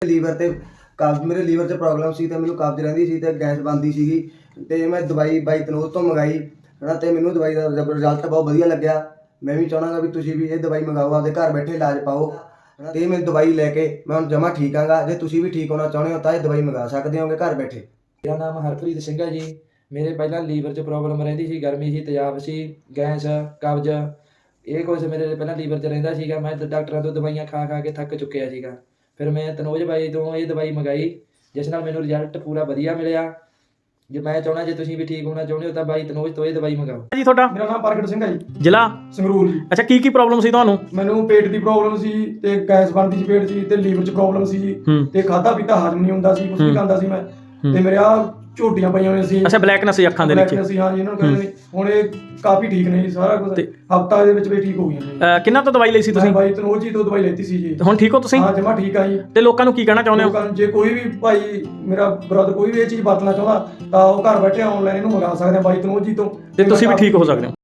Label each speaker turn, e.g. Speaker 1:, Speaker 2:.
Speaker 1: Liver ਤੇ ਕਬਜ਼, ਮੇਰੇ ਲੀਵਰ 'ਚ ਪ੍ਰੋਬਲਮ ਸੀ ਤੇ ਮੈਨੂੰ ਕਬਜ਼ ਰਹਿੰਦੀ ਸੀ ਤੇ ਗੈਸ ਬਣਦੀ ਸੀਗੀ ਤੇ ਮੈਂ ਦਵਾਈ ਬਾਈ ਤਨੋਜ ਤੋਂ ਮੰਗਾਈ ਹਨਾ ਤੇ ਮੈਨੂੰ ਦਵਾਈ ਦਾ ਰਿਜ਼ਲਟ ਬਹੁਤ ਵਧੀਆ ਲੱਗਿਆ। ਮੈਂ ਵੀ ਚਾਹੁੰਦਾ ਵੀ ਤੁਸੀਂ ਵੀ ਇਹ ਦਵਾਈ ਮੰਗਾਓ, ਆਪਦੇ ਘਰ ਬੈਠੇ ਇਲਾਜ ਪਾਓ ਤੇ ਮੈਂ ਦਵਾਈ ਲੈ ਕੇ ਮੈਂ ਹੁਣ ਜਮਾ ਠੀਕ ਆਂਗਾ। ਜੇ ਤੁਸੀਂ ਵੀ ਠੀਕ ਹੋਣਾ ਚਾਹੁੰਦੇ ਹੋ ਤਾਂ ਇਹ ਦਵਾਈ ਮੰਗਾ ਸਕਦੇ ਹੋਗੇ ਘਰ ਬੈਠੇ।
Speaker 2: ਮੇਰਾ ਨਾਮ ਹਰਪ੍ਰੀਤ ਸਿੰਘ ਹੈ ਜੀ। ਮੇਰੇ ਪਹਿਲਾਂ ਲੀਵਰ 'ਚ ਪ੍ਰੋਬਲਮ ਰਹਿੰਦੀ ਸੀ, ਗਰਮੀ ਸੀ, ਤੇਜ਼ਾਬ ਸੀ, ਗੈਸ, ਕਬਜ਼, ਇਹ ਕੁਛ ਮੇਰੇ ਪਹਿਲਾਂ ਲੀਵਰ 'ਚ ਰਹਿੰਦਾ ਸੀਗਾ। ਮੈਂ ਡਾਕਟਰਾਂ ਤੋਂ ਦਵਾਈਆਂ ਖਾ ਖਾ ਕੇ ਥੱਕ ਚੁੱਕਿਆ ਸੀਗਾ। ਫਿਰ ਮੈਂ ਤਨੋਜ ਬਾਈ ਤੋਂ ਇਹ ਦਵਾਈ ਮੰਗਾਈ, ਜਿਸ ਨਾਲ ਮੈਨੂੰ ਰਿਜ਼ਲਟ ਪੂਰਾ ਵਧੀਆ ਮਿਲਿਆ। ਜੇ ਮੈਂ ਚਾਹੁੰਦਾ ਜੇ ਤੁਸੀਂ ਵੀ ਠੀਕ ਹੋਣਾ ਚਾਹੁੰਦੇ ਹੋ ਤਾਂ ਬਾਈ ਤਨੋਜ ਤੋਂ ਇਹ ਦਵਾਈ ਮੰਗਾਓ
Speaker 3: ਜੀ। ਤੁਹਾਡਾ?
Speaker 4: ਮੇਰਾ ਨਾਮ ਪ੍ਰਗਟ ਸਿੰਘ ਹੈ ਜੀ,
Speaker 3: ਜ਼ਿਲ੍ਹਾ
Speaker 4: ਸੰਗਰੂਰ ਜੀ।
Speaker 3: ਅੱਛਾ, ਕੀ ਪ੍ਰੋਬਲਮ ਸੀ ਤੁਹਾਨੂੰ?
Speaker 4: ਮੈਨੂੰ ਪੇਟ ਦੀ ਪ੍ਰੋਬਲਮ ਸੀ ਤੇ ਗੈਸ ਬਣਦੀ ਸੀ ਪੇਟ 'ਚ ਤੇ ਲੀਵਰ 'ਚ ਪ੍ਰੋਬਲਮ ਸੀ ਜੀ ਤੇ ਖਾਧਾ ਪੀਤਾ ਹਜਮ ਨਹੀਂ ਹੁੰਦਾ ਸੀ, ਕੁਝ ਵੀ ਖਾਂਦਾ ਸੀ ਮੈਂ ਤੇ ਮੇਰੇ ਆ ਝੋਟੀਆਂ ਪਈਆਂ ਹੋਈਆਂ ਸੀ।
Speaker 3: ਅੱਛਾ, ਬਲੈਕਨੈਸ ਸੀ ਅੱਖਾਂ ਦੇ ਨੀਚੇ।
Speaker 4: ਸੀ, ਹਾਂ ਜੀ, ਇਹਨਾਂ ਨੂੰ ਕਹਿੰਦੇ ਨੇ। ਹੁਣ ਇਹ ਕਾਫੀ ਠੀਕ ਨੇ ਜੀ, ਸਾਰਾ ਕੁਝ ਹਫਤਾ ਦੇ ਵਿੱਚ ਵੀ ਠੀਕ ਹੋ ਗਈਆਂ ਨੇ।
Speaker 3: ਕਿੰਨਾ ਤੋਂ ਦਵਾਈ ਲਈ ਸੀ ਤੁਸੀਂ?
Speaker 4: ਬਾਈ ਤਨੋਜ ਜੀ ਤੋਂ ਦਵਾਈ ਲੈਤੀ ਸੀ ਜੀ।
Speaker 3: ਹੁਣ ਠੀਕ ਹੋ ਤੁਸੀਂ?
Speaker 4: ਹਾਂ, ਜਮਾ ਠੀਕ ਆ ਜੀ।
Speaker 3: ਤੇ ਲੋਕਾਂ ਨੂੰ ਕੀ ਕਹਿਣਾ ਚਾਹੁੰਦੇ ਹੋ?
Speaker 4: ਲੋਕਾਂ ਨੂੰ ਜੇ ਕੋਈ ਵੀ ਭਾਈ ਮੇਰਾ ਬ੍ਰਦਰ ਕੋਈ ਵੀ ਇਹ ਚੀਜ਼ ਵਰਤਣਾ ਚਾਹੁੰਦਾ ਤਾਂ ਉਹ ਘਰ ਬੈਠੇ ਆਨਲਾਈਨ ਇਹਨੂੰ ਮੰਗਾ ਸਕਦੇ ਆ ਬਾਈ ਤਨੋਜ ਜੀ ਤੋਂ,
Speaker 3: ਤੇ ਤੁਸੀਂ ਵੀ ਠੀਕ ਹੋ ਸਕਦੇ ਹੋ।